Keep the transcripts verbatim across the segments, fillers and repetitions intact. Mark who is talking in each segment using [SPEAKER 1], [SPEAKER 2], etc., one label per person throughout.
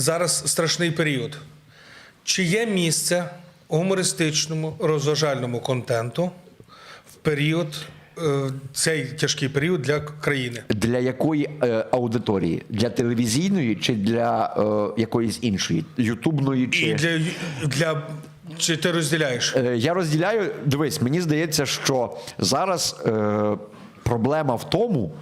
[SPEAKER 1] Зараз страшний період. Чи є місце гумористичному, розважальному контенту в період, е, цей тяжкий період для країни?
[SPEAKER 2] Для якої е, аудиторії? Для телевізійної чи для е, якоїсь іншої? Ютубної чи...
[SPEAKER 1] І для, для... Чи ти розділяєш?
[SPEAKER 2] Е, я розділяю, дивись, мені здається, що зараз е, проблема в тому,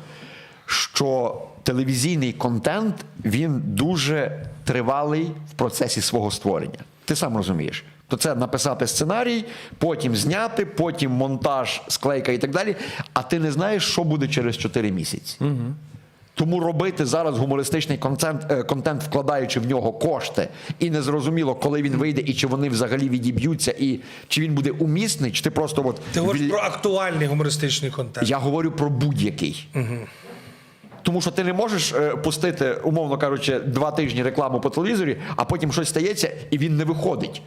[SPEAKER 2] що телевізійний контент, він дуже тривалий в процесі свого створення. Ти сам розумієш. То це написати сценарій, потім зняти, потім монтаж, склейка і так далі, а ти не знаєш, що буде через чотири місяці. Угу. Тому робити зараз гумористичний контент, контент, вкладаючи в нього кошти, і незрозуміло, коли він вийде, і чи вони взагалі відіб'ються, і чи він буде умісний, чи ти просто... От,
[SPEAKER 1] ти говориш від... про актуальний гумористичний контент.
[SPEAKER 2] Я говорю про будь-який. Угу. Тому що ти не можеш е, пустити, умовно кажучи, два тижні рекламу по телевізорі, а потім щось стається, і він не виходить.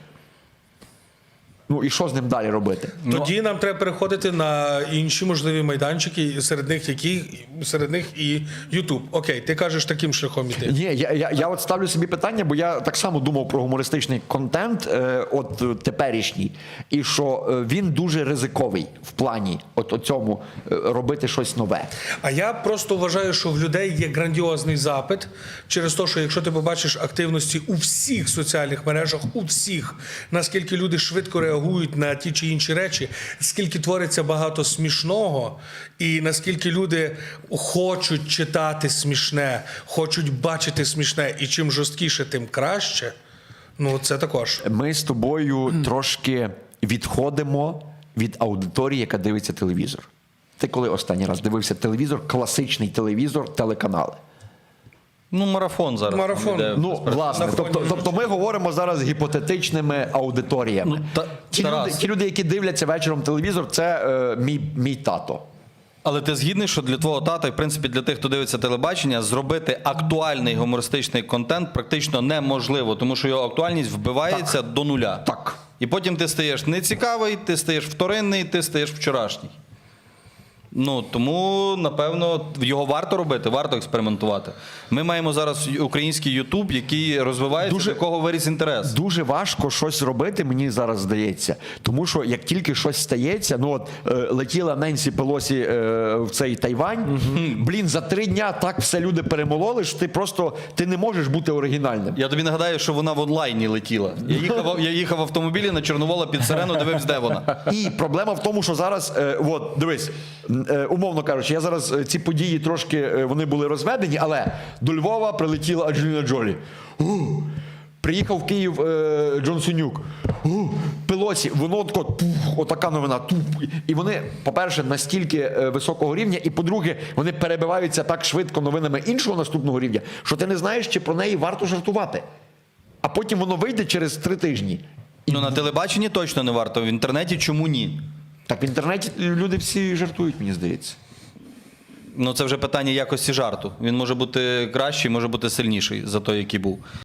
[SPEAKER 2] Ну і що з ним далі робити?
[SPEAKER 1] Тоді ну, нам треба переходити на інші можливі майданчики, серед них які серед них і Ютуб. Окей, ти кажеш таким шляхом іти.
[SPEAKER 2] Ні, я, я, я от ставлю собі питання, бо я так само думав про гумористичний контент, е, от теперішній, і що він дуже ризиковий в плані от, от цьому е, робити щось нове.
[SPEAKER 1] А я просто вважаю, що в людей є грандіозний запит через те, що якщо ти побачиш активності у всіх соціальних мережах, у всіх, наскільки люди швидко реагують на ті чи інші речі, скільки твориться багато смішного, і наскільки люди хочуть читати смішне, хочуть бачити смішне, і чим жорсткіше, тим краще, ну це також.
[SPEAKER 2] Ми з тобою mm. трошки відходимо від аудиторії, яка дивиться телевізор. Ти коли останній раз дивився телевізор, класичний телевізор, телеканали?
[SPEAKER 3] Ну, марафон зараз.
[SPEAKER 1] Марафон.
[SPEAKER 3] Іде,
[SPEAKER 2] ну, власне, тобто, тобто ми говоримо зараз гіпотетичними аудиторіями.
[SPEAKER 3] Ну, та,
[SPEAKER 2] ті, люди, ті люди, які дивляться вечором телевізор, це е, мій, мій тато.
[SPEAKER 3] Але ти згідний, що для твого тата, і в принципі для тих, хто дивиться телебачення, зробити актуальний гумористичний контент практично неможливо, тому що його актуальність вбивається
[SPEAKER 2] так.
[SPEAKER 3] до нуля.
[SPEAKER 2] Так.
[SPEAKER 3] І потім ти стаєш нецікавий, ти стаєш вторинний, ти стаєш вчорашній. Ну, тому, напевно, його варто робити, варто експериментувати. Ми маємо зараз український Ютуб, який розвивається,
[SPEAKER 2] дуже,
[SPEAKER 3] до кого виріс інтерес.
[SPEAKER 2] Дуже важко щось робити, мені зараз здається. Тому що як тільки щось стається, ну от е, летіла Ненсі Пелосі е, в цей Тайвань, угу. блін, за три дня так все люди перемололи, що ти просто, ти не можеш бути оригінальним.
[SPEAKER 3] Я тобі нагадаю, що вона в онлайні летіла. Я їхав, я їхав в автомобілі на Чорновола під сирену, дивився, де вона.
[SPEAKER 2] І проблема в тому, що зараз, е, от, дивись, умовно кажучи, я зараз ці події трошки, вони були розведені, але до Львова прилетіла Анджеліна Джолі. У, приїхав в Київ е, Джон Сунюк. У, Пелосі, воно тако, тух, отака новина. Тух. І вони, по-перше, настільки е, високого рівня, і по-друге, вони перебиваються так швидко новинами іншого наступного рівня, що ти не знаєш, чи про неї варто жартувати. А потім воно вийде через три тижні.
[SPEAKER 3] Ну, на телебаченні точно не варто, в інтернеті чому ні?
[SPEAKER 2] Так в інтернеті люди всі жартують, мені здається.
[SPEAKER 3] Ну, це вже питання якості жарту. Він може бути кращий, може бути сильніший за той, який був.